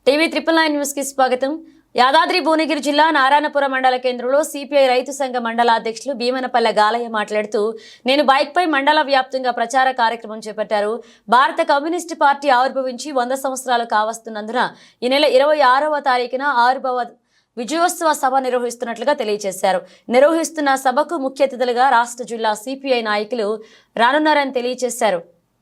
TV 999 news కి స్వాగతం. యాదాద్రి భువనగిరి జిల్లా నారాయణపురం మండల కేంద్రంలో సిపిఐ రైతు సంఘ మండల అధ్యక్షులు భీమనపల్లె గాలయ్య మాట్లాడుతూ నేను బైక్ పై మండల వ్యాప్తంగా ప్రచార కార్యక్రమం చేపట్టారు. భారత కమ్యూనిస్టు పార్టీ ఆవిర్భవించి 100 సంవత్సరాలు కావస్తున్నందున ఈ నెల 26వ తారీఖున ఆవిర్భావ విజయోత్సవ సభ నిర్వహిస్తున్నట్లుగా తెలియజేశారు. నిర్వహిస్తున్న సభకు ముఖ్య అతిథులుగా రాష్ట్ర జిల్లా సిపిఐ నాయకులు రానున్నారని తెలియజేశారు.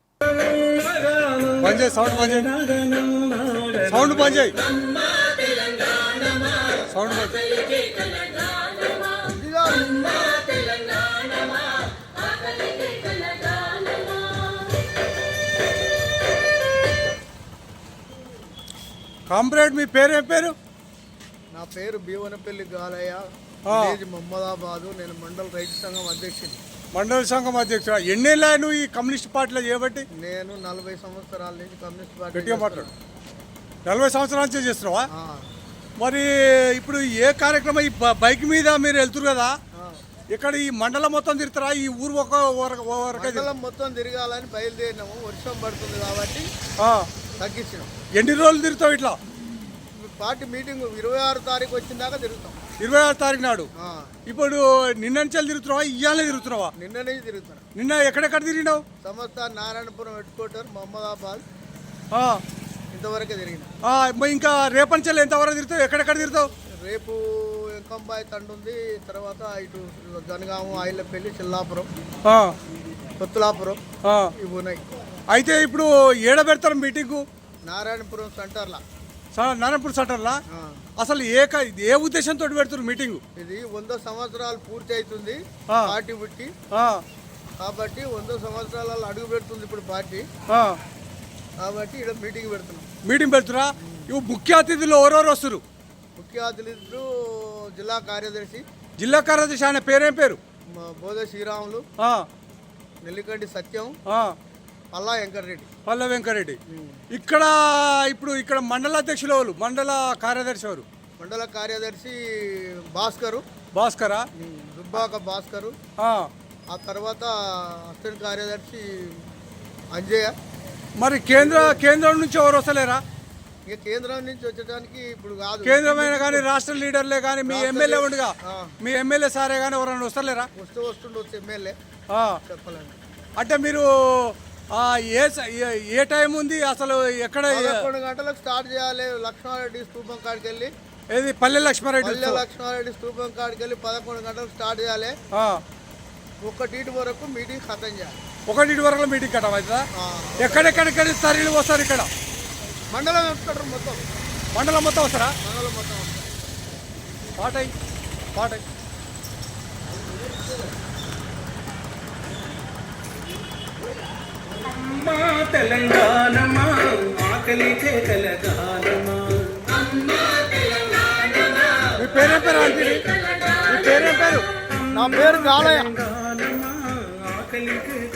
కామ్రేడ్, మీ పేరేం పేరు? నా పేరు భీమనపల్లి గాలయ్య, మహమ్మదాబాదు. నేను మండల రైతు సంఘం అధ్యక్షుని. మండల సంఘం అధ్యక్షుడు. ఎన్నేళ్ళ నువ్వు ఈ కమ్యూనిస్ట్ పార్టీలో చేయబట్టి? నేను 40 సంవత్సరాల నుంచి కమ్యూనిస్ట్ పార్టీ. గట్టిగా మాట్లాడు. 40 సంవత్సరాల నుంచి చేస్తున్నావా? మరి ఇప్పుడు ఏ కార్యక్రమం? ఈ బైక్ మీద మీరు వెళ్తురు కదా, ఇక్కడ ఈ మండలం మొత్తం తిరుగుతారా? ఈ ఊరు మండలం మొత్తం తిరగాలని బయలుదేరినాము. వర్షం పడుతుంది కాబట్టి తగ్గించినాం. ఎన్ని రోజులు తిరుగుతావు ఇట్లా? పార్టీ మీటింగ్ 26 తారీఖు వచ్చిన దాకా తిరుగుతాం. 26 తారీఖు నాడు. ఇప్పుడు నిన్న నుంచి తిరుగుతున్నావా? ఇయ్యాలే తిరుగుతున్నావా? నిన్న నుంచి తిరుగుతున్నా. నిన్న ఎక్కడెక్కడ తిరిగినావు? సంస్థ నారాయణపురం హెడ్ క్వార్టర్, మహమ్మదాబాద్ ఇంతవరకే తిరిగిన. ఇంకా రేపంచెల్ ఎంతవరకు తిరుగుతావు? ఎక్కడెక్కడ తిరుగుతావు? రేపు ఎంకంబాయి తండు ఉంది, తర్వాత ఇటు జనగాము, ఆయిలపల్లి, చిల్లాపురం, కొత్తలాపురం ఇవి ఉన్నాయి. అయితే ఇప్పుడు ఏడ పెడతారు మీటింగు? నారాయణపురం సెంటర్లా. నారాయణపురం సెంటర్లా. అసలు ఏ ఉద్దేశంతో పెడుతున్నారు మీటింగ్? ఇది 100 సంవత్సరాలు పూర్తి అవుతుంది పార్టీ పుట్టి, కాబట్టి 100 సంవత్సరాలలో అడుగు పెడుతుంది ఇప్పుడు పార్టీ, కాబట్టి ఇక్కడ మీటింగ్ పెడుతున్నాం. మీటింగ్ పెడుతురా? ఇవి ముఖ్య అతిథులు ఎవరెవరు వస్తారు? ముఖ్య అతిథులు జిల్లా కార్యదర్శి. జిల్లా కార్యదర్శి ఆయన పేరేం పేరు? బోధ శ్రీరాములు, నెల్లికంటి సత్యం, పల్లా వెంకరెడ్డి. ఇక్కడ ఇప్పుడు ఇక్కడ మండల అధ్యక్షులు ఎవరు? మండల కార్యదర్శి ఎవరు? మండల కార్యదర్శి భాస్కరా, దుబ్బాక భాస్కరు. ఆ తర్వాత అసిస్టెంట్ కార్యదర్శి అంజయ్య. మరి కేంద్రం నుంచి ఎవరు వస్తలేరా? ఇక కేంద్రం నుంచి వచ్చడానికి ఇప్పుడు కాదు. కేంద్రమైన కానీ రాష్ట్ర లీడర్లే కానీ మీ ఎమ్మెల్యే ఉండగా, మీ ఎమ్మెల్యే సారే కానీ ఎవరైనా వస్తలేరా? వస్తుండొచ్చు ఎమ్మెల్యే. చెప్పాలండి అంటే మీరు ఏ టైం ఉంది అసలు? ఎక్కడ 11 గంటలకు స్టార్ట్ చేయాలి. లక్ష్మారెడ్డి స్తూపం కాడికి వెళ్ళి, ఏది పల్లె లక్ష్మారెడ్డి స్తూపం కాడికి వెళ్ళి 11 గంటలకు స్టార్ట్ చేయాలి. 1 వరకు మీటింగ్ ఖతం చేయాలి. 1 వరకు మీటింగ్ కట్టం అవుతుందా? ఎక్కడెక్కడిక్కడ తరలి వస్తారు? ఇక్కడ మండలం వస్తారు. మండలం మొత్తం వస్తారా? మండలం మొత్తం వస్తారు. పాటై అమ్మా తెలంగాణమా, ఆకలికే తెలంగాణమా. మీ పేరేం పేరు? మీ పేరేం పేరు? నా పేరు గాలయ్య. ఆకలికే